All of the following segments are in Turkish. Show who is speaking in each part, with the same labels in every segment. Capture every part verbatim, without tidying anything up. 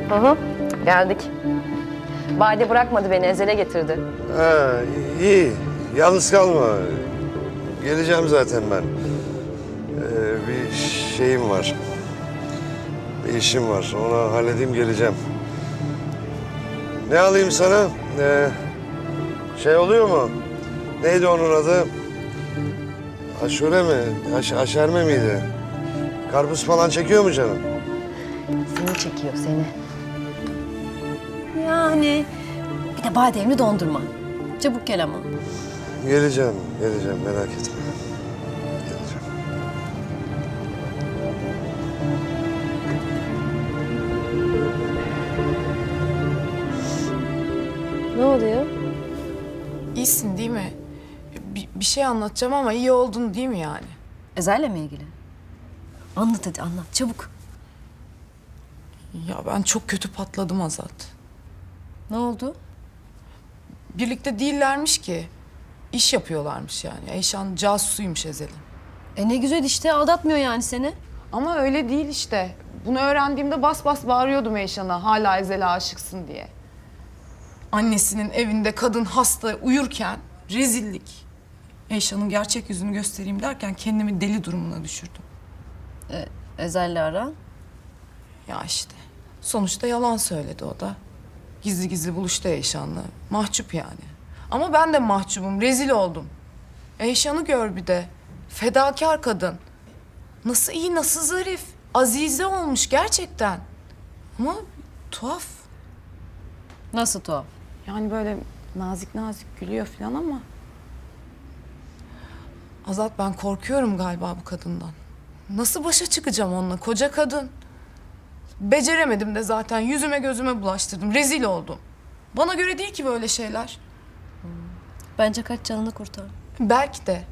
Speaker 1: Hı hı, geldik. Bade bırakmadı beni, Ezel'e getirdi.
Speaker 2: Ha, iyi. Yalnız kalma. Geleceğim zaten ben. Ee, bir şeyim var. Bir işim var. Onu halledeyim geleceğim. Ne alayım sana? Ee, şey oluyor mu? Neydi onun adı? Aşure mi? Aş aşerme miydi? Karpuz falan çekiyor mu canım?
Speaker 1: Seni çekiyor, seni. Yani bir de bademli dondurma. Çabuk gel ama.
Speaker 2: Geleceğim, geleceğim. Merak etme. Geleceğim.
Speaker 1: Ne oluyor?
Speaker 3: İyisin değil mi? Bir, bir şey anlatacağım ama iyi oldun değil mi yani?
Speaker 1: Ezel'le mi ilgili? Anlat hadi, anlat çabuk.
Speaker 3: Ya ben çok kötü patladım Azat.
Speaker 1: Ne oldu?
Speaker 3: Birlikte değillermiş ki. İş yapıyorlarmış yani. Eyşan casusuymuş Ezel'in.
Speaker 1: E ne güzel işte, aldatmıyor yani seni.
Speaker 3: Ama öyle değil işte. Bunu öğrendiğimde bas bas bağırıyordum Eyşan'a. Hala Ezel'e aşıksın diye. Annesinin evinde kadın hasta uyurken rezillik. Eyşan'ın gerçek yüzünü göstereyim derken kendimi deli durumuna düşürdüm.
Speaker 1: E, Ezel'le aran?
Speaker 3: Ya işte. Sonuçta yalan söyledi o da. Gizli gizli buluştu Eyşan'la. Mahcup yani. Ama ben de mahcubum. Rezil oldum. Eyşan'ı gör bir de. Fedakar kadın. Nasıl iyi, nasıl zarif. Azize olmuş gerçekten. Ama tuhaf.
Speaker 1: Nasıl tuhaf?
Speaker 3: Yani böyle nazik nazik gülüyor falan ama... Azat, ben korkuyorum galiba bu kadından. Nasıl başa çıkacağım onunla? Koca kadın. Beceremedim de zaten. Yüzüme gözüme bulaştırdım. Rezil oldum. Bana göre değil ki böyle şeyler.
Speaker 1: Bence kaç canını kurtar.
Speaker 3: Belki de.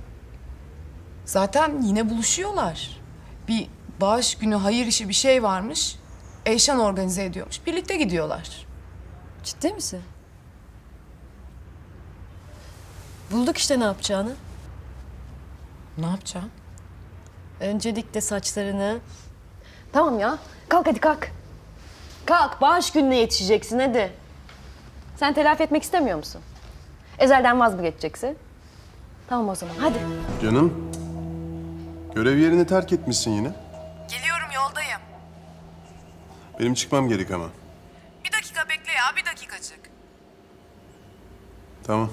Speaker 3: Zaten yine buluşuyorlar. Bir bağış günü hayır işi bir şey varmış. Eyşan organize ediyormuş. Birlikte gidiyorlar.
Speaker 1: Ciddi misin? Bulduk işte ne yapacağını.
Speaker 3: Ne yapacağım?
Speaker 1: Öncelikle saçlarını... Tamam ya, kalk hadi kalk. Kalk, bağış gününe yetişeceksin hadi. Sen telafi etmek istemiyor musun? Ezel'den vaz mı geçeceksin? Tamam o zaman, hadi.
Speaker 4: Canım, görev yerini terk etmişsin yine.
Speaker 3: Geliyorum, yoldayım.
Speaker 4: Benim çıkmam gerek ama.
Speaker 3: Bir dakika bekle ya, bir dakikacık.
Speaker 4: Tamam.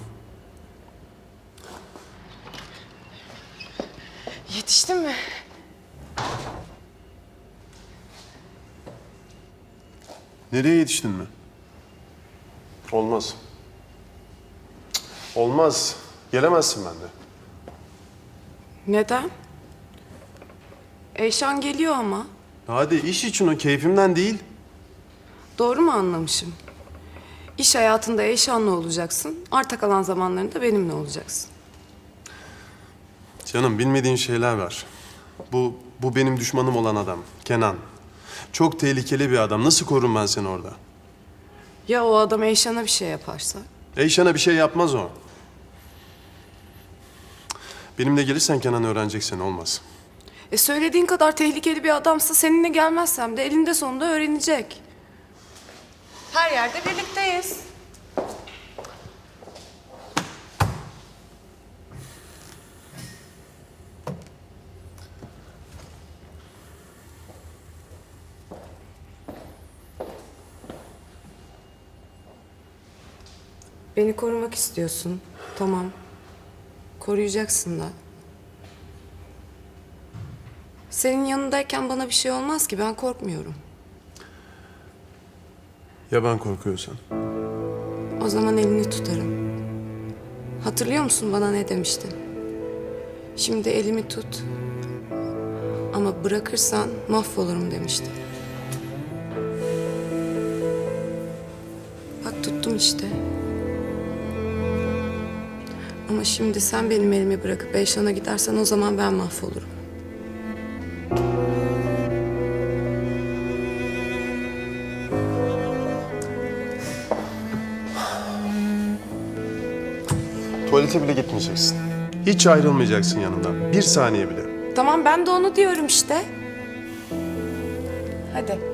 Speaker 3: Yetiştin mi?
Speaker 4: Nereye yetiştin mi? Olmaz. Cık, olmaz. Gelemezsin bende.
Speaker 3: Neden? Eyşan geliyor ama.
Speaker 4: Hadi iş için o, keyfimden değil.
Speaker 3: Doğru mu anlamışım? İş hayatında Eyşan'la olacaksın. Arta kalan zamanlarında benimle olacaksın.
Speaker 4: Canım, bilmediğin şeyler var. Bu, bu benim düşmanım olan adam, Kenan. Çok tehlikeli bir adam. Nasıl korurum ben seni orada?
Speaker 3: Ya o adam Eyşan'a bir şey yaparsa?
Speaker 4: Eyşan'a bir şey yapmaz o. Benimle gelirsen Kenan öğreneceksin, olmaz.
Speaker 3: E söylediğin kadar tehlikeli bir adamsa seninle gelmezsem de elinde sonunda öğrenecek. Her yerde birlikteyiz. Beni korumak istiyorsun. Tamam. Koruyacaksın da. Senin yanındayken bana bir şey olmaz ki. Ben korkmuyorum.
Speaker 4: Ya ben korkuyorsan?
Speaker 3: O zaman elini tutarım. Hatırlıyor musun bana ne demiştin? Şimdi elimi tut. Ama bırakırsan mahvolurum demiştin. Bak tuttum işte. Ama şimdi sen benim elimi bırakıp Eyşan'a gidersen o zaman ben mahvolurum.
Speaker 4: Tuvalete bile gitmeyeceksin. Hiç ayrılmayacaksın yanımdan. Bir saniye bile.
Speaker 3: Tamam, ben de onu diyorum işte. Hadi.